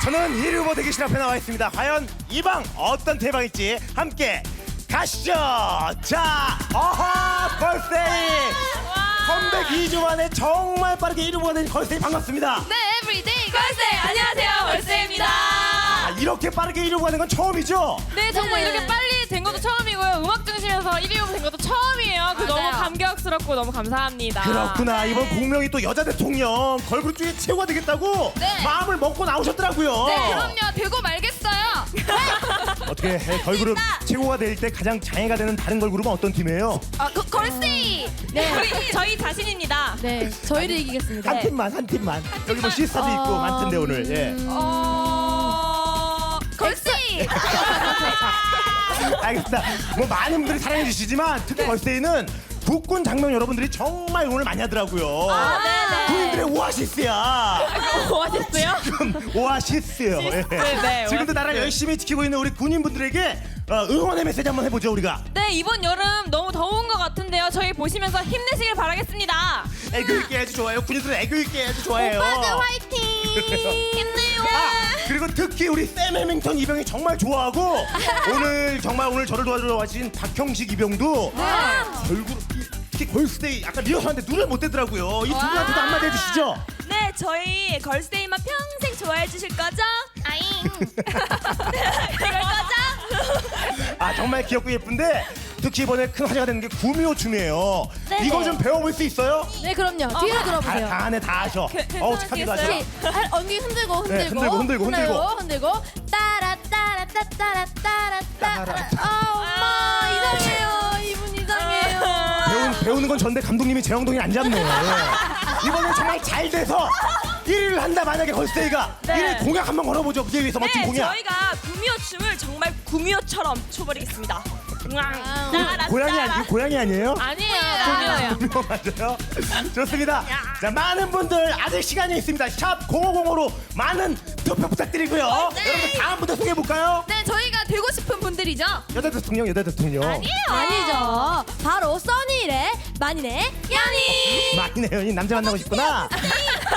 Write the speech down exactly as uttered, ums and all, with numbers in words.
저는 일 위 후보 대기실 앞에 나와 있습니다. 과연 이 방 어떤 대방일지 함께 가시죠. 자, 어허, 걸스데이 컴백 이 주 만에 정말 빠르게 일 위 후보가 된 걸스데이 반갑습니다. 네, 에브리데이 걸스데이 안녕하세요, 걸스데이입니다. 아, 이렇게 빠르게 일 위 후보가 된 건 처음이죠? 네, 정말 네. 이렇게 빨리 된 것도 처음이고요. 음악 중심에서 일 위 후보 된 것도 처음이에요. 그 너무 맞아요. 감격스럽고 너무 감사합니다. 그렇구나. 이번 공명이 또 여자 대통령 걸그룹 중에 최고가 되겠다고 네. 마음을 먹고 나오셨더라고요. 네, 그럼요. 되고 말겠어요. 어떻게 해, 걸그룹 최고가 될 때 가장 장애가 되는 다른 걸그룹은 어떤 팀이에요? 아, 그, 걸스데이. 네, 저희, 저희 자신입니다. 네, 저희를 이기겠습니다. 한 팀만, 한 팀만. 여기 뭐 시스타도 있고 어, 많던데 오늘. 예. 어... 걸스데이. 알겠습니다. 뭐 많은 분들이 사랑해 주시지만 특히 걸스데이는 국군 장면 여러분들이 정말 응원을 많이 하더라고요. 아, 네네. 군인들의 오아시스야. 오아시스요? 지금 오아시스요. 예. 네, 지금도 나라를 오아시스. 열심히 지키고 있는 우리 군인분들에게 어, 응원의 메시지 한번 해보죠 우리가. 네, 이번 여름 너무 더운 것 같은데요. 저희 보시면서 힘내시길 바라겠습니다. 애교 있게 해도 좋아요. 군인들은 애교 있게 해도 좋아해요. 오빠들 화이팅. 힘내요. 아, 그리고 특히 우리 샘 해밍턴 이병이 정말 좋아하고 오늘 정말 오늘 저를 도와주러 와주신 박형식 이병도 걸그룹 특히 걸스데이 아까 리허설한테 눈을 못 떼더라고요. 이 두 분한테도 한마디 해주시죠. 네, 저희 걸스데이만 평생 좋아해 주실 거죠? 아잉. 그럴 거죠? 아 정말 귀엽고 예쁜데 특히 이번에 큰 화제가 되는 게 구미호 춤이에요. 네. 이거 좀 배워볼 수 있어요? 네, 그럼요. 뒤로 다, 들어보세요. 다 안에 다 하셔. 그, 어우 착하기도 하셔. 괜찮으시겠어요? 아, 언니 흔들고 흔들고 네, 흔들고, 흔들고, 흔들고. 흔들고 따라 따라 따 따라 따라 따라. 아, 엄마 이상해요. 이분 이상해요. 배운, 배우는 건 전데 감독님이 제 엉덩이 안 잡네. 예. 이번에 정말 잘 돼서 일 위를 한다 만약에 걸스데이가 네. 일 위 공약 한번 걸어보죠. 무대 위에서 멋진 네, 공약. 저희가 구미호 춤을 정말 구미호처럼 춰버리겠습니다. 아, 고양이 아니 고양이 아니에요? 아니에요, 구미호예요. 구미호 맞아요. 좋습니다. 자 많은 분들 아직 시간이 있습니다. 샵 공오공오로 많은 투표 부탁드리고요. 네. 여러분 다음 분들 소개해 볼까요? 네, 저희가 되고 싶은 분들이죠. 여자 대통령 여자 대통령. 아니에요. 아니죠. 바로 써니의 만인의 연인. 많이네 연인 남자 만나고 싶구나.